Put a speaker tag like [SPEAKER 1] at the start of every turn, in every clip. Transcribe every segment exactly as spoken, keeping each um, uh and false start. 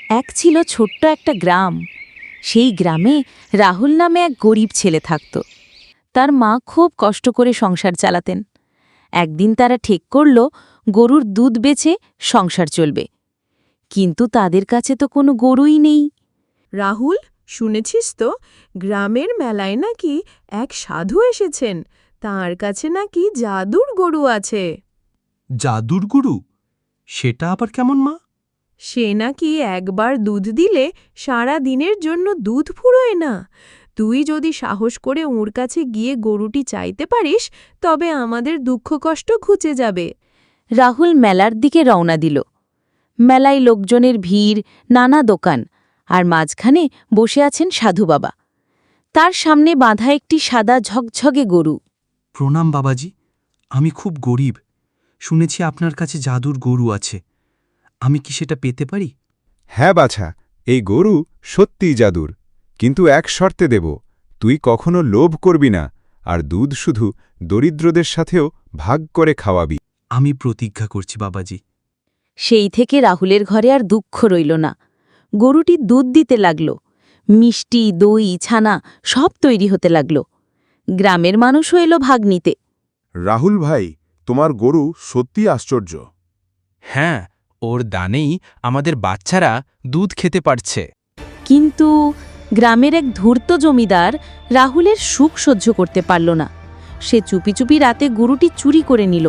[SPEAKER 1] এক ছিল ছোট্ট একটা গ্রাম। সেই গ্রামে রাহুল নামে এক গরিব ছেলে থাকত। তার মা খুব কষ্ট করে সংসার চালাতেন। একদিন তারা ঠিক করল গরুর দুধ বেচে সংসার চলবে, কিন্তু তাদের কাছে তো কোনো গরুই নেই।
[SPEAKER 2] রাহুল, শুনেছিস তো গ্রামের মেলায় নাকি এক সাধু এসেছেন, তার কাছে নাকি জাদুর গরু আছে।
[SPEAKER 3] জাদুর গুরু? সেটা আবার কেমন মা?
[SPEAKER 2] সে নাকি একবার দুধ দিলে সারা দিনের জন্য দুধ ফুরোয় না। তুই যদি সাহস করে ওর কাছে গিয়ে গরুটি চাইতে পারিস, তবে আমাদের দুঃখ কষ্ট ঘুচে যাবে।
[SPEAKER 1] রাহুল মেলার দিকে রওনা দিল। মেলায় লোকজনের ভিড়, নানা দোকান, আর মাঝখানে বসে আছেন সাধু বাবা। তার সামনে বাঁধা একটি সাদা ঝকঝকে গরু।
[SPEAKER 3] প্রণাম বাবাজি, আমি খুব গরিব। শুনেছি আপনার কাছে জাদুর গরু আছে। আমি কি সেটা পেতে পারি?
[SPEAKER 4] হ্যাঁ বাছা, এই গরু সত্যিই জাদুর, কিন্তু এক শর্তে দেব, তুই কখনো লোভ করবি না, আর দুধ শুধু দরিদ্রদের সাথেও ভাগ করে খাওয়াবি।
[SPEAKER 3] আমি প্রতিজ্ঞা করছি বাবাজি।
[SPEAKER 1] সেই থেকে রাহুলের ঘরে আর দুঃখ রইল না। গরুটি দুধ দিতে লাগল। মিষ্টি, দই, ছানা সব তৈরি হতে লাগল। গ্রামের মানুষও এলো ভাগ নিতে।
[SPEAKER 4] রাহুল ভাই, তোমার গরু সত্যি আশ্চর্য।
[SPEAKER 5] হ্যাঁ, ওর দানেই আমাদের বাচ্চারা দুধ খেতে পারছে।
[SPEAKER 1] কিন্তু গ্রামের এক ধূর্ত জমিদার রাহুলের সুখ সহ্য করতে পারল না। সে চুপি চুপি রাতে গরুটি চুরি করে নিল।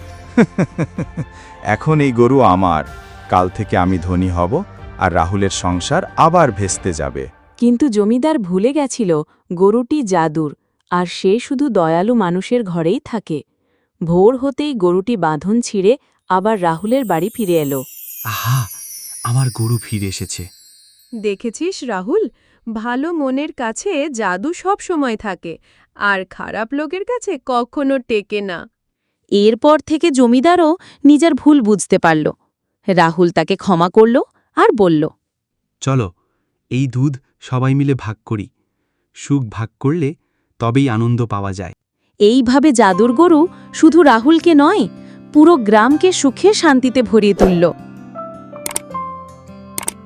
[SPEAKER 4] এখন এই গরু আমার, কাল থেকে আমি ধনী হব, আর রাহুলের সংসার আবার ভেস্তে যাবে।
[SPEAKER 1] কিন্তু জমিদার ভুলে গেছিল গরুটি জাদুর, আর সে শুধু দয়ালু মানুষের ঘরেই থাকে। ভোর হতেই গরুটি বাঁধন ছিঁড়ে আবার রাহুলের বাড়ি ফিরে এলো।
[SPEAKER 3] আহা, আমার গরু ফিরে এসেছে।
[SPEAKER 2] দেখেছিস রাহুল, ভালো মনের কাছে জাদু সব সময় থাকে, আর খারাপ লোকের কাছে কখনো টেকে না।
[SPEAKER 1] এরপর থেকে জমিদারও নিজের ভুল বুঝতে পারল। রাহুল তাকে ক্ষমা করল আর বলল,
[SPEAKER 3] চলো, এই দুধ সবাই মিলে ভাগ করি। সুখ ভাগ করলে তবেই আনন্দ পাওয়া যায়।
[SPEAKER 1] এইভাবে জাদুর গরু শুধু রাহুলকে নয়, পুরো গ্রামকে সুখে শান্তিতে ভরিয়ে তুলল।